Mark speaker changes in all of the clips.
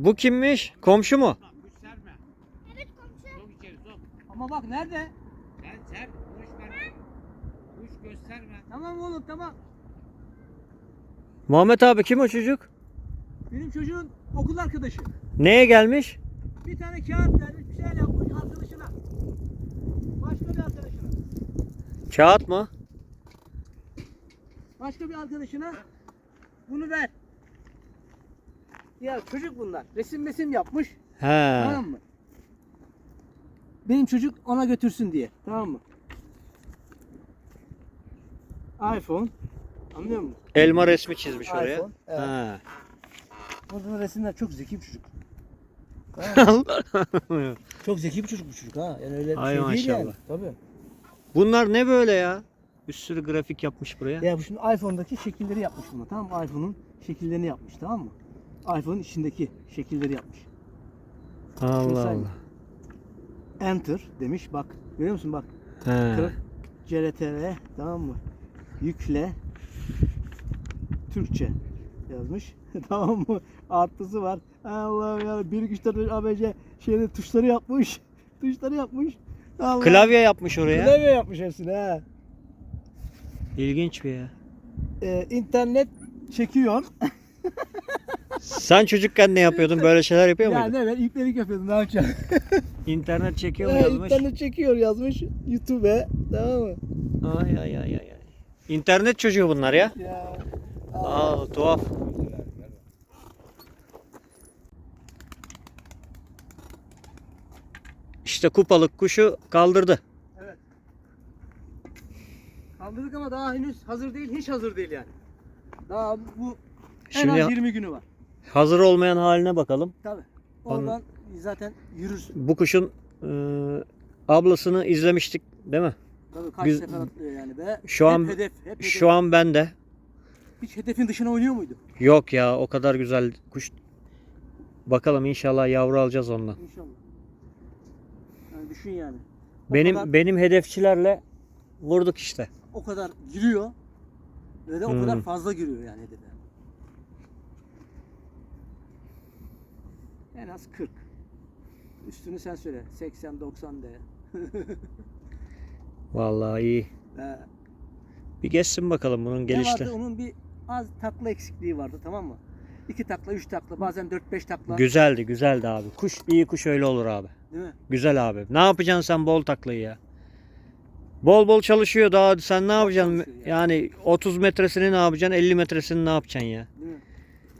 Speaker 1: Bu kimmiş? Komşu mu?
Speaker 2: Gösterme.
Speaker 3: Evet komşu.
Speaker 2: Sok içeri sok.
Speaker 4: Ama bak nerede?
Speaker 2: Sen kuş verme. Kuş gösterme.
Speaker 4: Tamam oğlum tamam.
Speaker 1: Muhammed abi kim o çocuk?
Speaker 4: Benim çocuğun okul arkadaşı.
Speaker 1: Neye gelmiş?
Speaker 4: Bir tane kağıt vermiş, bir şeyler yapmış arkadaşına. Başka bir arkadaşına.
Speaker 1: Kağıt mı?
Speaker 4: Başka bir arkadaşına bunu ver. Ya çocuk bunlar. Resim yapmış.
Speaker 1: He.
Speaker 4: Tamam mı? Benim çocuk ona götürsün diye. Tamam mı? iPhone. Anlıyor musun?
Speaker 1: Elma resmi çizmiş oraya.
Speaker 4: iPhone, evet.
Speaker 1: He.
Speaker 4: Burada resimler çok zeki bir çocuk.
Speaker 1: Allah.
Speaker 4: Çok zeki bir çocuk bu çocuk ha. Yani öyle bir
Speaker 1: Ay
Speaker 4: şey değil yani.
Speaker 1: maşallah.
Speaker 4: Tabii.
Speaker 1: Bunlar ne böyle ya? Bir sürü grafik yapmış buraya.
Speaker 4: Ya bu şimdi iPhone'daki şekilleri yapmış buna, tamam mı? iPhone'un şekillerini yapmış, tamam mı? iPhone'un içindeki şekilleri yapmış.
Speaker 1: Allah
Speaker 4: Mesela-
Speaker 1: Allah.
Speaker 4: Enter demiş, bak. Görüyor musun bak.
Speaker 1: He.
Speaker 4: CTRL, tamam mı? Yükle. Türkçe yazmış. Tamam mı? Artısı var. Allah'ım ya. 1 2 3 4 5 ABC şeyde tuşları yapmış. Tuşları yapmış. Allah.
Speaker 1: Klavye yapmış oraya.
Speaker 4: Klavye yapmış hepsini ha.
Speaker 1: İlginç bir ya.
Speaker 4: İnternet çekiyor.
Speaker 1: Sen çocukken ne yapıyordun? Böyle şeyler yapıyor
Speaker 4: Ya
Speaker 1: muydun?
Speaker 4: ne ben iplerik yapıyordum, ne yapacağım?
Speaker 1: İnternet çekiyor mu yazmış?
Speaker 4: İnternet çekiyor yazmış YouTube'e, tamam mı?
Speaker 1: Ay ay ay ay. İnternet çocuğu bunlar ya.
Speaker 4: Ya.
Speaker 1: Aa tuhaf. İşte kupalık kuşu kaldırdı.
Speaker 4: Evet. Kaldırdık ama daha henüz hazır değil, hiç hazır değil yani. Daha bu en
Speaker 1: Şimdi
Speaker 4: az 20 günü var.
Speaker 1: hazır olmayan haline bakalım.
Speaker 4: Tabii. Oradan zaten yürürsün.
Speaker 1: Bu kuşun ablasını izlemiştik değil mi?
Speaker 4: Tabii kaç
Speaker 1: Biz-
Speaker 4: sefer atlıyor yani be.
Speaker 1: Şu an-
Speaker 4: hep hedef, hep hedef.
Speaker 1: Şu an ben de.
Speaker 4: Hiç hedefin dışına oynuyor muydu?
Speaker 1: Yok ya o kadar güzel kuş. Bakalım inşallah yavru alacağız ondan.
Speaker 4: İnşallah. Yani düşün yani.
Speaker 1: Benim hedefçilerle vurduk işte.
Speaker 4: O kadar giriyor ve de o kadar
Speaker 1: Hmm.
Speaker 4: fazla giriyor yani hedefe. En az 40. Üstünü sen söyle. 80-90 de.
Speaker 1: Vallahi iyi. Bir geçsin bakalım bunun
Speaker 4: Ne
Speaker 1: gelişte.
Speaker 4: vardı? Onun bir az takla eksikliği vardı, tamam mı? 2 takla, 3 takla, bazen 4-5 takla.
Speaker 1: Güzeldi abi. Kuş iyi kuş öyle olur abi.
Speaker 4: Değil mi?
Speaker 1: Güzel abi. Ne yapacaksın sen bol taklayı ya? Bol bol çalışıyor daha sen ne yapacaksın?
Speaker 4: çalışıyor
Speaker 1: Yani 30 metresini ne yapacaksın? 50 metresini ne yapacaksın ya?
Speaker 4: Değil mi?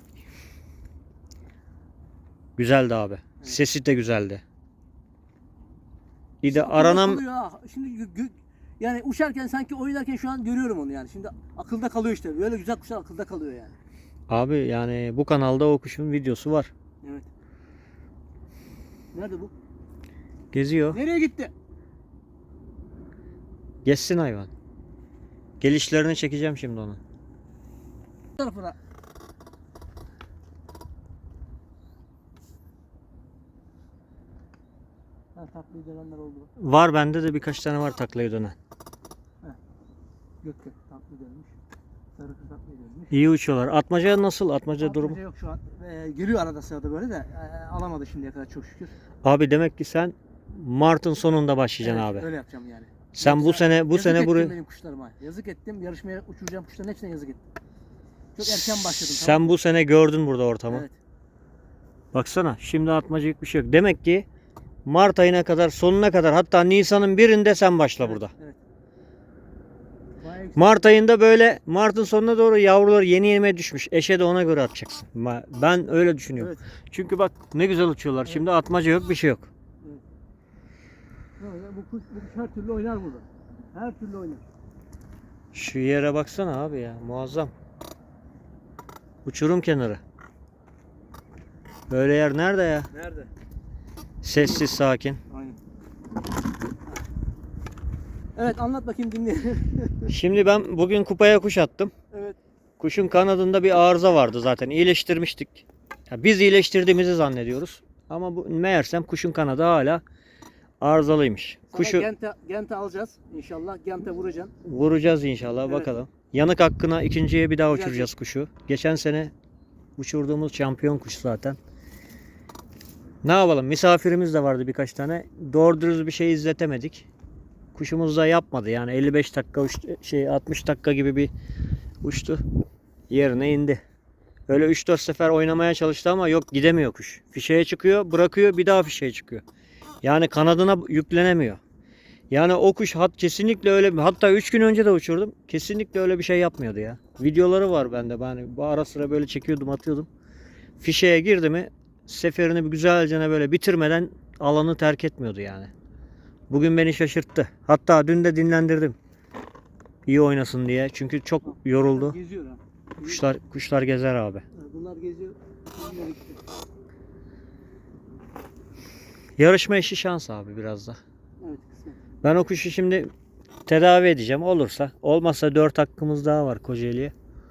Speaker 1: Güzeldi abi. Sesi de güzeldi. Bir de
Speaker 4: Akılda
Speaker 1: aranan
Speaker 4: kalıyor ha. Şimdi yani uçarken sanki oynarken şu an görüyorum onu yani. Şimdi akılda kalıyor işte. Böyle güzel kuşlar akılda kalıyor yani.
Speaker 1: abi yani bu kanalda o kuşun videosu var.
Speaker 4: Evet. Nerede bu?
Speaker 1: Geziyor.
Speaker 4: Nereye gitti?
Speaker 1: Geçsin hayvan. Gelişlerini çekeceğim şimdi onu.
Speaker 4: Bu tarafına. Ha, taklayı dönenler oldu.
Speaker 1: Var bende de birkaç tane var taklayı dönen.
Speaker 4: Gökte taklı dönmüş. Sarı kız taklaya dönmüş.
Speaker 1: İyi uçuyorlar. Atmaca nasıl? Atmaca durumu?
Speaker 4: Atmaca yok şu an. Geliyor arada sırada böyle de alamadı şimdiye kadar çok şükür.
Speaker 1: Abi demek ki sen Mart'ın sonunda başlayacaksın
Speaker 4: Evet,
Speaker 1: abi.
Speaker 4: öyle yapacağım yani.
Speaker 1: Sen bu
Speaker 4: Yoksa
Speaker 1: sene
Speaker 4: yazık ettim
Speaker 1: buraya
Speaker 4: benim kuşlarıma. Yazık ettim. Yarışmaya uçuracağım kuşların hepsine yazık ettim. Çok erken başladım.
Speaker 1: sen
Speaker 4: tamam mı?
Speaker 1: bu sene gördün burada ortamı.
Speaker 4: Evet.
Speaker 1: Baksana şimdi atmacık bir şey yok. Demek ki Mart ayına kadar sonuna kadar hatta Nisan'ın birinde sen başla
Speaker 4: Evet,
Speaker 1: burada.
Speaker 4: Evet. Bayağı yüksek.
Speaker 1: Mart ayında böyle Mart'ın sonuna doğru yavrular yeni yemeye düşmüş. Eşe de ona göre atacaksın. Ben öyle düşünüyorum.
Speaker 4: Evet.
Speaker 1: Çünkü bak ne güzel uçuyorlar.
Speaker 4: Evet.
Speaker 1: Şimdi atmaca yok bir şey yok.
Speaker 4: Böyle bu kuş her türlü oynar burada. Her türlü oynar.
Speaker 1: Şu yere baksana abi ya muazzam. Uçurum kenarı. Böyle yer nerede ya?
Speaker 4: Nerede?
Speaker 1: Sessiz sakin.
Speaker 4: Aynen. Evet anlat bakayım dinleyelim.
Speaker 1: Şimdi ben bugün kupaya kuş attım.
Speaker 4: Evet.
Speaker 1: Kuşun kanadında bir arıza vardı zaten. İyileştirmiştik. Ya biz iyileştirdiğimizi zannediyoruz. Ama bu meğersem kuşun kanadı hala arızalıymış.
Speaker 4: Sana
Speaker 1: Kuşu
Speaker 4: Gente alacağız inşallah. Gente vuracaksın.
Speaker 1: vuracağız inşallah
Speaker 4: Evet.
Speaker 1: bakalım. Yanık hakkına ikinciye bir daha
Speaker 4: Güzel.
Speaker 1: uçuracağız kuşu. Geçen sene uçurduğumuz şampiyon kuş zaten. Ne yapalım? Misafirimiz de vardı birkaç tane. Doğru dürüst bir şey izletemedik. Kuşumuz da yapmadı. Yani 55 dakika uçtu, 60 dakika gibi bir uçtu. Yerine indi. Öyle 3-4 sefer oynamaya çalıştı ama yok, gidemiyor kuş. Fişeye çıkıyor, bırakıyor, bir daha fişeye çıkıyor. Yani kanadına yüklenemiyor. Yani o kuş kesinlikle öyle, hatta 3 gün önce de uçurdum. Kesinlikle öyle bir şey yapmıyordu ya. Videoları var bende. Ben bu ara sıra böyle çekiyordum, atıyordum. Fişeye girdi mi seferini bir güzelce böyle bitirmeden alanı terk etmiyordu yani. Bugün beni şaşırttı. Hatta dün de dinlendirdim. İyi oynasın diye. Çünkü çok yoruldu.
Speaker 4: Geziyor ha.
Speaker 1: Kuşlar gezer abi.
Speaker 4: Bunlar geziyor. Bunlar gitti.
Speaker 1: Yarışma işi şans abi biraz da.
Speaker 4: Evet, kısmet.
Speaker 1: Ben o kuşu şimdi tedavi edeceğim. Olursa. Olmazsa 4 hakkımız daha var Kocaeli'ye.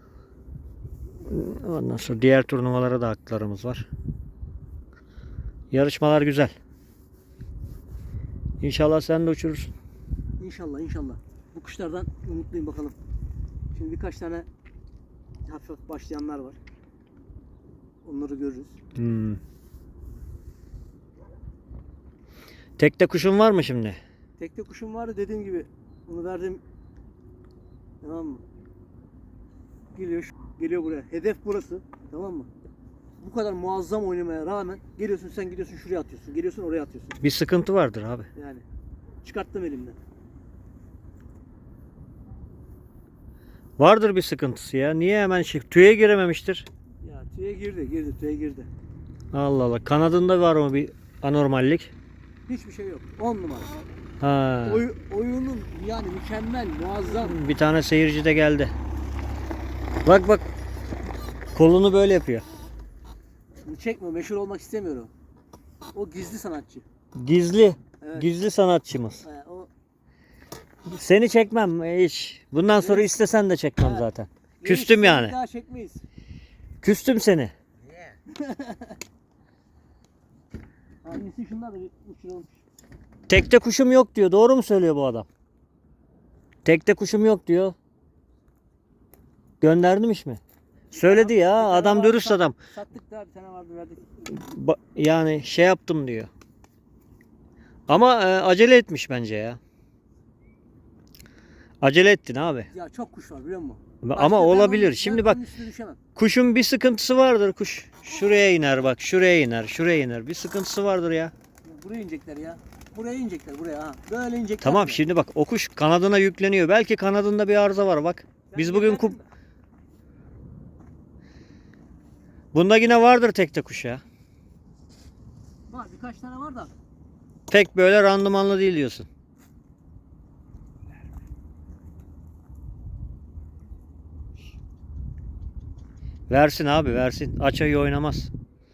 Speaker 1: Ondan sonra diğer turnuvalara da haklarımız var. Yarışmalar güzel. İnşallah sen de uçurursun.
Speaker 4: İnşallah inşallah. Bu kuşlardan umutluyum bakalım. Şimdi birkaç tane hafif hafif başlayanlar var. Onları görürüz.
Speaker 1: Tekte kuşun var mı şimdi?
Speaker 4: Tekte kuşum vardı dediğim gibi. Bunu verdim. Tamam mı? Geliyor buraya. Hedef burası. Tamam mı? Bu kadar muazzam oynamaya rağmen geliyorsun, sen gidiyorsun şuraya atıyorsun. Geliyorsun oraya atıyorsun.
Speaker 1: Bir sıkıntı vardır abi.
Speaker 4: Yani çıkarttım elimden.
Speaker 1: Vardır bir sıkıntısı ya. Niye hemen tüye girememiştir?
Speaker 4: Ya tüye girdi.
Speaker 1: Allah Allah. Kanadında var mı bir anormallik?
Speaker 4: Hiçbir şey yok. 10 numara.
Speaker 1: Ha.
Speaker 4: Oyunun yani mükemmel, muazzam.
Speaker 1: Bir tane seyirci de geldi. Bak bak. Kolunu böyle yapıyor.
Speaker 4: Bunu çekme, meşhur olmak istemiyorum. O gizli sanatçı.
Speaker 1: Gizli.
Speaker 4: Evet.
Speaker 1: Gizli sanatçımız.
Speaker 4: O
Speaker 1: Seni çekmem hiç. Bundan sonra istesen de çekmem
Speaker 4: Evet.
Speaker 1: zaten. Küstüm
Speaker 4: Seni
Speaker 1: yani.
Speaker 4: Daha çekmeyiz.
Speaker 1: Küstüm seni.
Speaker 2: Niye?
Speaker 4: Hangisi şunlar da bir uçuralım.
Speaker 1: Tekte kuşum yok diyor. Doğru mu söylüyor bu adam? Tekte kuşum yok diyor. Göndermiş mi? Söyledi
Speaker 4: Bir
Speaker 1: ya.
Speaker 4: tane
Speaker 1: Adam
Speaker 4: vardı,
Speaker 1: dürüst adam.
Speaker 4: Sattık da bir tane vardı verdik.
Speaker 1: Yani şey yaptım diyor. Ama acele etmiş bence ya. Acele ettin abi.
Speaker 4: Ya çok kuş var biliyor musun?
Speaker 1: Ama olabilir. Şimdi bak,
Speaker 4: onun üstüne düşemem.
Speaker 1: kuşun bir sıkıntısı vardır kuş. Şuraya iner bak. Şuraya iner. Şuraya iner. Bir sıkıntısı vardır ya.
Speaker 4: Buraya inecekler ya. Buraya inecekler buraya ha. Böyle inecekler.
Speaker 1: Tamam
Speaker 4: buraya.
Speaker 1: şimdi bak, o kuş kanadına yükleniyor. Belki kanadında bir arıza var bak.
Speaker 4: Ben
Speaker 1: Biz bugün
Speaker 4: gönderdim mi?
Speaker 1: bunda yine vardır tekte kuş ya.
Speaker 4: Var birkaç tane var da.
Speaker 1: Pek böyle randımanlı değil diyorsun. Versin abi, versin. Açayı oynamaz.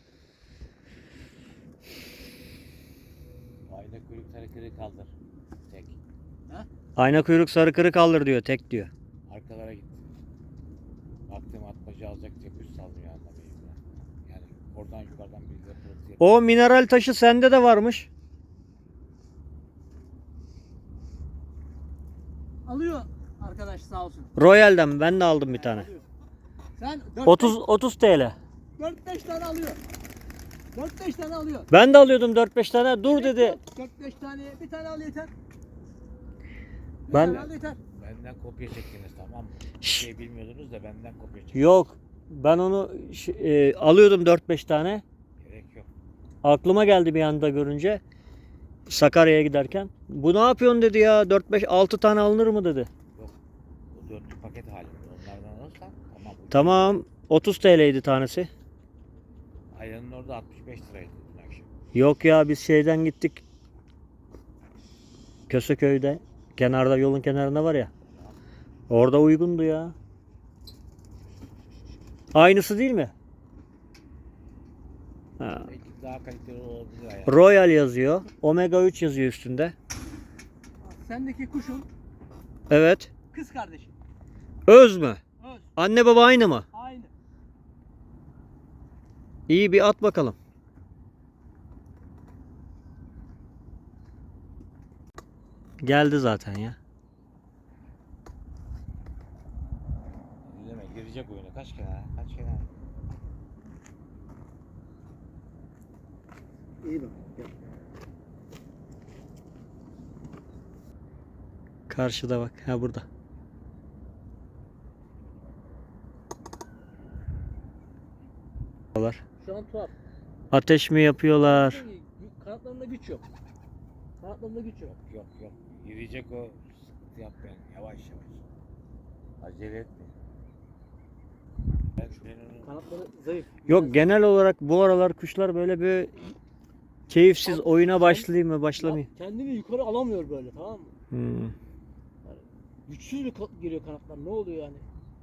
Speaker 2: Ayna kuyruk hareketi kaldır. Tek.
Speaker 1: Ayna kuyruk sarı kırık kaldır diyor. Tek diyor.
Speaker 2: Arkalara git. Baktım atmaca alacak diye kuş sallıyor anlamayayım ya. Yani oradan yukarıdan bir de pırıltı yapıyor.
Speaker 1: O mineral taşı sende de varmış.
Speaker 4: Alıyor arkadaş sağ olsun.
Speaker 1: Royal'den ben de aldım bir tane.
Speaker 4: Alıyor. Sen
Speaker 1: 30 TL.
Speaker 4: 4-5 tane alıyor. 4-5 tane alıyor.
Speaker 1: Ben de alıyordum 4-5 tane. Dur dedi.
Speaker 4: 4-5 taneye bir tane al yeter. Bir
Speaker 1: Ben-
Speaker 4: tane al yeter.
Speaker 2: Benden kopya çektiniz tamam mı? Bir
Speaker 1: Şşş.
Speaker 2: şey bilmiyordunuz da benden kopya çektiniz.
Speaker 1: Yok. Ben onu alıyordum 4-5 tane.
Speaker 2: Gerek yok.
Speaker 1: Aklıma geldi bir anda görünce. Sakarya'ya giderken. Bu ne yapıyorsun dedi ya. 4-5-6 tane alınır mı dedi.
Speaker 2: Bu dörtlü paket halinde. Onlardan alırsan tamam.
Speaker 1: Tamam. 30 TL'ydi tanesi.
Speaker 2: Ayranın orada 65 liraydı dün akşam.
Speaker 1: Yok ya, biz şeyden gittik. Köseköy'de. Kenarda, yolun kenarında var ya. Orada uygundu ya. Aynısı değil mi? Ha.
Speaker 2: Belki daha kaliteli olabilir ayran.
Speaker 1: Royal yazıyor. Omega 3 yazıyor üstünde.
Speaker 4: Sendeki kuşun
Speaker 1: Evet.
Speaker 4: kız kardeşi.
Speaker 1: Öz mü?
Speaker 4: Öz.
Speaker 1: Anne baba aynı mı?
Speaker 4: Aynı.
Speaker 1: İyi, bir at bakalım. Geldi zaten ya.
Speaker 2: Deme girecek oyuna. Kaç kenar? Kaç kenar?
Speaker 4: İyi bak. Gel.
Speaker 1: Karşıda bak. Ha burada.
Speaker 4: Şu an tuhaf.
Speaker 1: Ateş mi yapıyorlar?
Speaker 4: Kanatlarında güç yok. Kanatlarında güç yok.
Speaker 2: Yok. Yürüyecek o. Sıkıntı yapmayın. Yavaş yavaş. Acele etme. Ben onu...
Speaker 4: Kanatları zayıf.
Speaker 1: Yok, genel olarak bu aralar kuşlar böyle bir keyifsiz, oyuna başlayayım mı başlamayayım.
Speaker 4: Kendini yukarı alamıyor böyle, tamam mı?
Speaker 1: Hmm.
Speaker 4: Güçsüz bir geliyor kanatlar. Ne oluyor yani?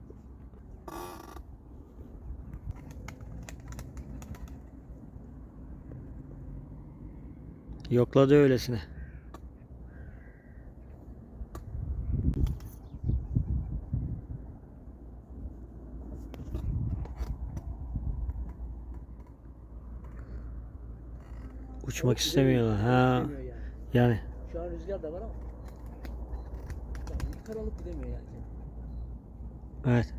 Speaker 1: Yokladı öylesine. Uçmak istemiyorlar. Ha,
Speaker 4: Gidemiyor yani.
Speaker 1: yani
Speaker 4: Şu an rüzgar da var ama. Yani yukarı alıp gidemiyor yani.
Speaker 1: evet.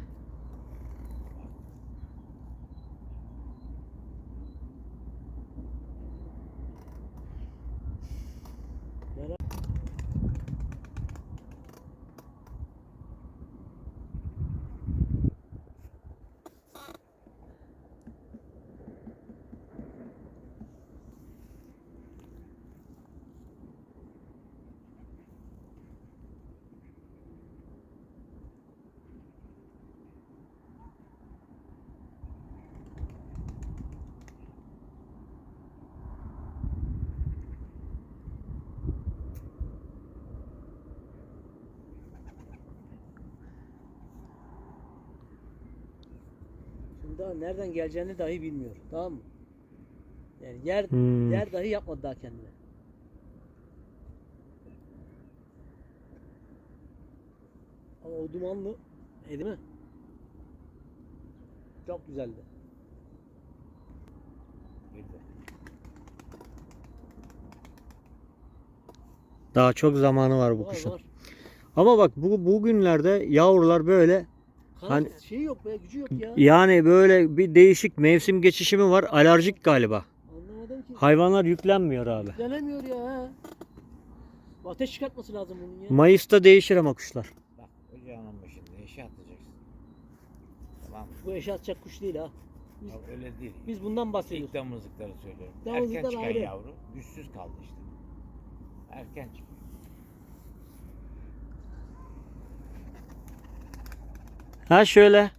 Speaker 4: Şimdi daha nereden geleceğini dahi bilmiyor. Tamam mı? Yani
Speaker 1: Hmm.
Speaker 4: yer dahi yapmadı daha kendine. Ama o dumanlı, değil mi? Çok güzeldi.
Speaker 1: Daha çok zamanı var bu
Speaker 4: Var
Speaker 1: kuşun.
Speaker 4: var.
Speaker 1: Ama bak bu günlerde yavrular böyle
Speaker 4: Kanat
Speaker 1: hani
Speaker 4: şeyi yok be, gücü yok ya.
Speaker 1: yani böyle bir değişik mevsim geçişi mi var? Alerjik galiba.
Speaker 4: Anlamadım ki.
Speaker 1: Hayvanlar yüklenmiyor abi.
Speaker 4: Denemiyor ya. Ha. Ateş çıkartması lazım bunun ya.
Speaker 1: Mayıs'ta değişir ama kuşlar.
Speaker 2: Bak ocağının başında eşe atacaksın. Tamam mı?
Speaker 4: Bu eşe atacak kuş değil ha. Biz,
Speaker 2: Ya öyle değil.
Speaker 4: biz bundan bahsediyoruz.
Speaker 2: İlk damızlıkları söylüyorum.
Speaker 4: Damızlıklar
Speaker 2: Erken çıkan
Speaker 4: ayrı.
Speaker 2: yavru güçsüz kaldı işte. Erken çıkıyor.
Speaker 1: Ha şöyle.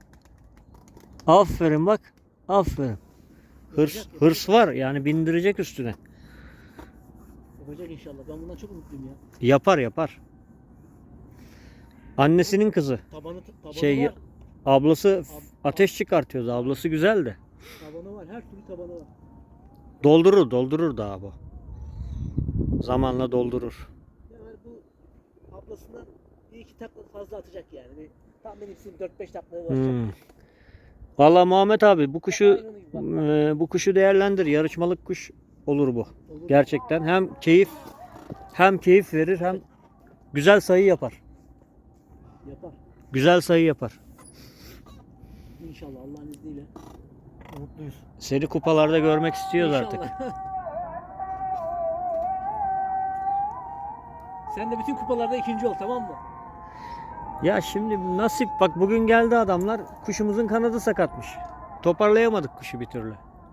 Speaker 1: Aferin bak. Aferin. Hırs var yani, bindirecek üstüne.
Speaker 4: Yapacak inşallah. Ben bundan çok umutluyum ya.
Speaker 1: Yapar. Annesinin kızı.
Speaker 4: Tabanı
Speaker 1: Şey,
Speaker 4: var.
Speaker 1: ablası ateş çıkartıyordu. Ablası güzeldi.
Speaker 4: Tabanı var. Her türlü tabanı var.
Speaker 1: Doldurur daha bu. Zamanla doldurur.
Speaker 4: Yani bu ablasından bir iki takla fazla atacak yani. Tam benim 4-5 taklaya ulaşacak.
Speaker 1: Hmm. Vallahi Muhammed abi
Speaker 4: Aynı gibi
Speaker 1: bu kuşu değerlendir. Yarışmalık kuş olur bu.
Speaker 4: Olur.
Speaker 1: Gerçekten hem keyif verir hem güzel sayı yapar.
Speaker 4: Yapar.
Speaker 1: Güzel sayı yapar.
Speaker 4: İnşallah Allah'ın izniyle. Mutluyuz.
Speaker 1: Seni kupalarda görmek istiyoruz artık.
Speaker 4: Sen de bütün kupalarda ikinci ol, tamam mı?
Speaker 1: Ya şimdi nasip, bak bugün geldi adamlar, kuşumuzun kanadı sakatmış. Toparlayamadık kuşu bir türlü.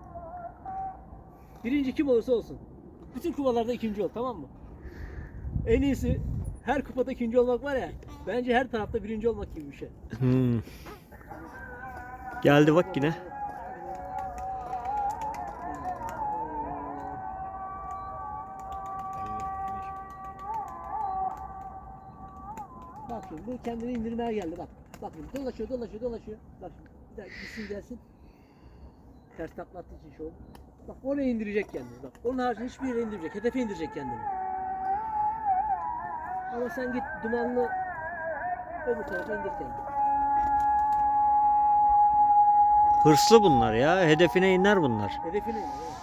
Speaker 4: Birinci kim olursa olsun. Bütün kupalarda ikinci ol, tamam mı? En iyisi her kupada ikinci olmak var ya. Bence her tarafta birinci olmak gibi bir şey.
Speaker 1: Hmm. Geldi bak yine.
Speaker 4: Bak şimdi bu kendini indirmeye geldi bak. Bak şimdi dolaşıyor. Bak şimdi bir daha gitsin gelsin. Ters takla attığı için şu oldu. Bak oraya indirecek kendini bak. Onun haricinde hiçbir yere indirmeyecek. Hedefe indirecek kendini. Ama sen git dumanlı öbür tarafa indir kendini.
Speaker 1: Hırslı bunlar ya. Hedefine iner bunlar.
Speaker 4: Hedefine indir. Evet.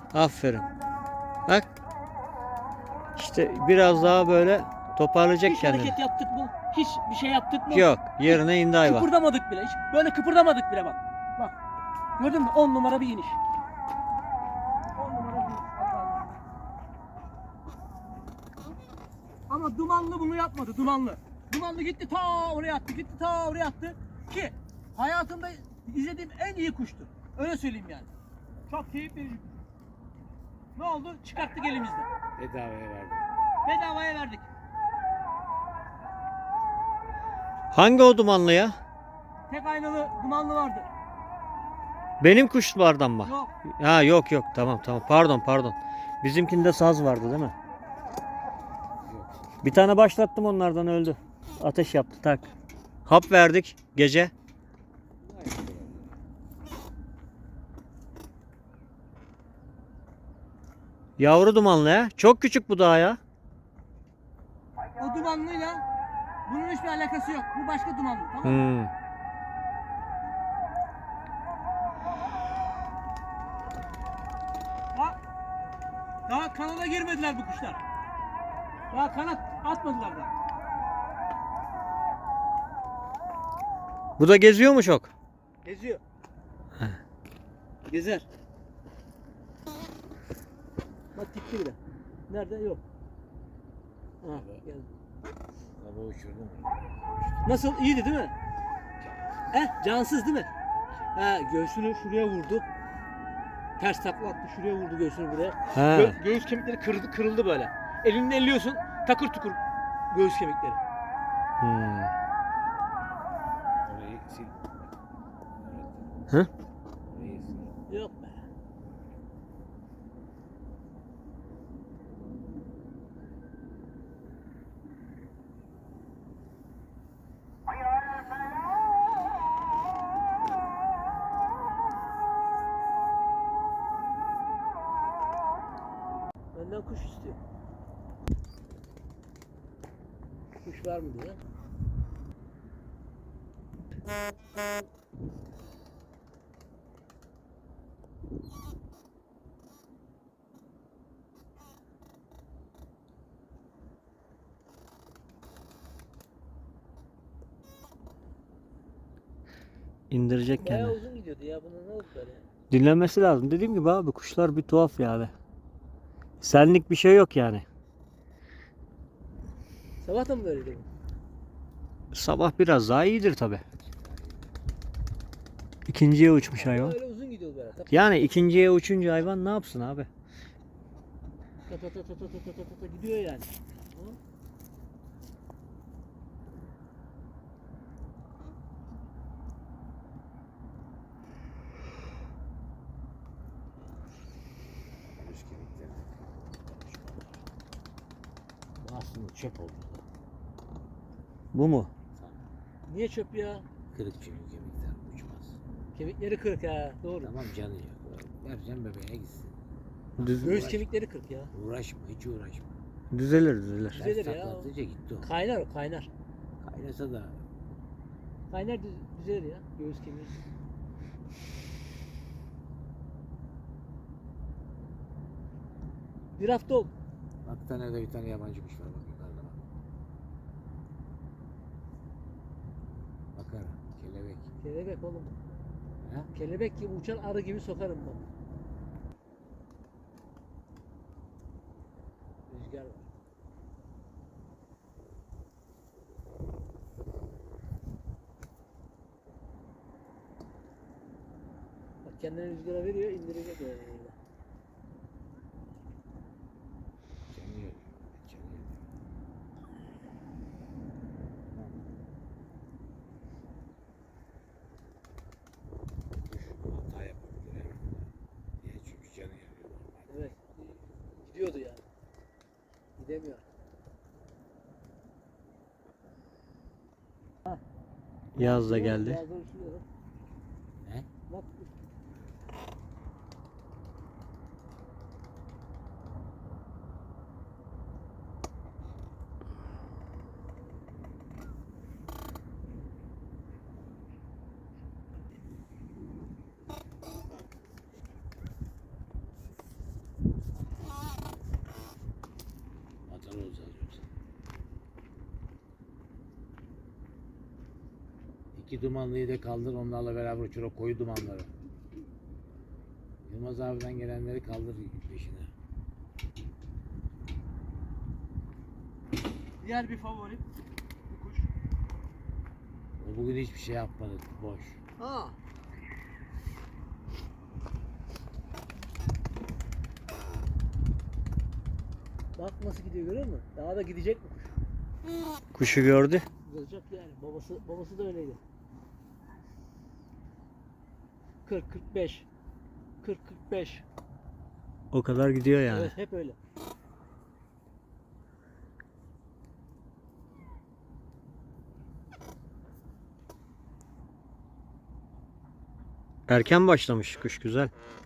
Speaker 1: Aferin. Bak. İşte biraz daha böyle toparlayacak
Speaker 4: Hiç
Speaker 1: kendini.
Speaker 4: hareket yaptık mı? Hiç bir şey yaptık mı?
Speaker 1: Yok. Yerine indi hayvan.
Speaker 4: Kıpırdamadık bile. Hiç böyle kıpırdamadık bile bak. Bak. Gördün mü? 10 numara bir iniş. 10 numara bir iniş. Allah'ım. Ama dumanlı bunu yapmadı. Dumanlı. Dumanlı gitti ta oraya attı. Gitti ta oraya attı. Ki hayatımda izlediğim en iyi kuştu. Öyle söyleyeyim yani. Çok keyif verici. Ne oldu? Çıkarttık elimizden.
Speaker 2: Bedavaya verdim.
Speaker 4: Bedavaya verdik.
Speaker 1: Hangi o dumanlı ya?
Speaker 4: Tek aynalı dumanlı vardı.
Speaker 1: Benim kuşlardan mı?
Speaker 4: Yok.
Speaker 1: Ha yok yok, tamam tamam, pardon. Bizimkinde saz vardı değil mi?
Speaker 2: Yok.
Speaker 1: Bir tane başlattım, onlardan öldü. Ateş yaptı tak. Hap verdik gece. Yavru dumanlı ya. Çok küçük bu daha ya.
Speaker 4: O dumanlıyla bunun hiçbir alakası yok. Bu başka dumanlı, tamam mı?
Speaker 1: Hmm.
Speaker 4: Daha kanada girmediler bu kuşlar. Daha kanat atmadılar da.
Speaker 1: Bu da geziyor mu çok?
Speaker 4: Geziyor. Gezer. Bak gitti bile. Nerede? Yok. Ha, geldi.
Speaker 2: Sabah uçurdum.
Speaker 4: Nasıl? İyiydi değil mi? Cansız değil mi? Göğsünü şuraya vurdu. Ters takla attı, şuraya vurdu göğsünü buraya.
Speaker 1: Ha.
Speaker 4: Göğüs kemikleri kırıldı böyle. Elini elliyorsun, takır tukur göğüs kemikleri.
Speaker 1: Hmm.
Speaker 2: Orayı sil.
Speaker 1: Hı?
Speaker 2: Orayı sil.
Speaker 4: Yok be. Benden kuş istiyor. Kuş var mı diye.
Speaker 1: İndirecek
Speaker 4: Bayağı
Speaker 1: kendini.
Speaker 4: uzun gidiyordu ya. Buna ne oldu böyle?
Speaker 1: Dinlenmesi lazım. Dediğim gibi abi, kuşlar bir tuhaf yani. Senlik bir şey yok yani.
Speaker 4: Sabah da mı böyleydi bu?
Speaker 1: Sabah biraz daha iyidir tabi. İkinciye uçmuş hayvan.
Speaker 4: Öyle uzun gidiyor böyle.
Speaker 1: Yani ikinciye uçunca hayvan ne yapsın abi?
Speaker 4: Ta ta ta ta ta ta ta ta gidiyor yani. Hı?
Speaker 2: Göğüs kemikleri. Bu aslında çöp oldu.
Speaker 1: Bu mu?
Speaker 4: Niye çöp ya?
Speaker 2: Kırık çünkü kemikler uçmaz.
Speaker 4: Kemikleri kırık ha. Doğru.
Speaker 2: Tamam canı yok. Vereceğim bebeğe gitsin.
Speaker 4: Göğüs kemikleri kırık ya.
Speaker 2: Uğraşma, hiç uğraşma.
Speaker 1: Düzelir.
Speaker 4: Düzelir
Speaker 2: Ters
Speaker 4: ya.
Speaker 2: taklatınca gitti o.
Speaker 4: Kaynar o kaynar.
Speaker 2: Kaynasa da
Speaker 4: Kaynar düzelir ya. Göğüs kemiği. Bir hafta oldu.
Speaker 2: bak tane de bir tane yabancı kuş var bak yukarıda bak. Bakar, kelebek.
Speaker 4: Kelebek oğlum.
Speaker 2: Ha?
Speaker 4: Kelebek gibi uçan arı gibi sokarım bak. Rüzgar var. Bak kendini rüzgara veriyor, indirecek öyle.
Speaker 2: Canı yok. Canı yok. Kuş hata yapabilir evet. Niye? Çünkü canı yanıyor normalde.
Speaker 4: Evet. Gidiyordu yani. Gidemiyor.
Speaker 1: Yaz da geldi.
Speaker 4: Yazda uçuyor.
Speaker 2: Ne?
Speaker 4: Bak.
Speaker 2: İki dumanlıyı da kaldır, onlarla beraber uçur o koyu dumanları. Yılmaz abiden gelenleri kaldır peşine.
Speaker 4: Diğer bir favorim bu kuş.
Speaker 2: O bugün hiçbir şey yapmadı, boş.
Speaker 4: Ha. Bak nasıl gidiyor, görüyor musun? Daha da gidecek bu kuş.
Speaker 1: Kuşu gördü.
Speaker 4: Olacak yani. Babası da öyleydi. 40 45. 40 45.
Speaker 1: O kadar gidiyor yani.
Speaker 4: Evet, hep öyle.
Speaker 1: Erken başlamış kuş, güzel.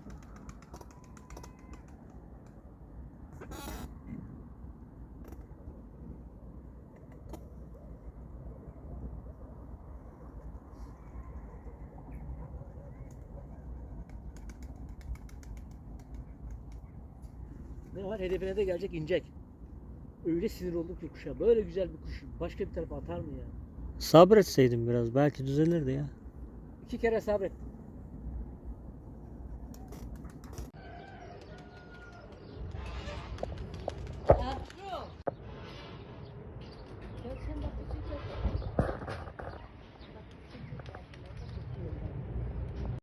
Speaker 4: Ne var? Hedefine de gelecek, inecek. Öyle sinir oldum ki kuşa. Böyle güzel bir kuş başka bir tarafa atar mı ya?
Speaker 1: Sabretseydin biraz belki düzelirdi ya.
Speaker 4: 2 kere sabrettim.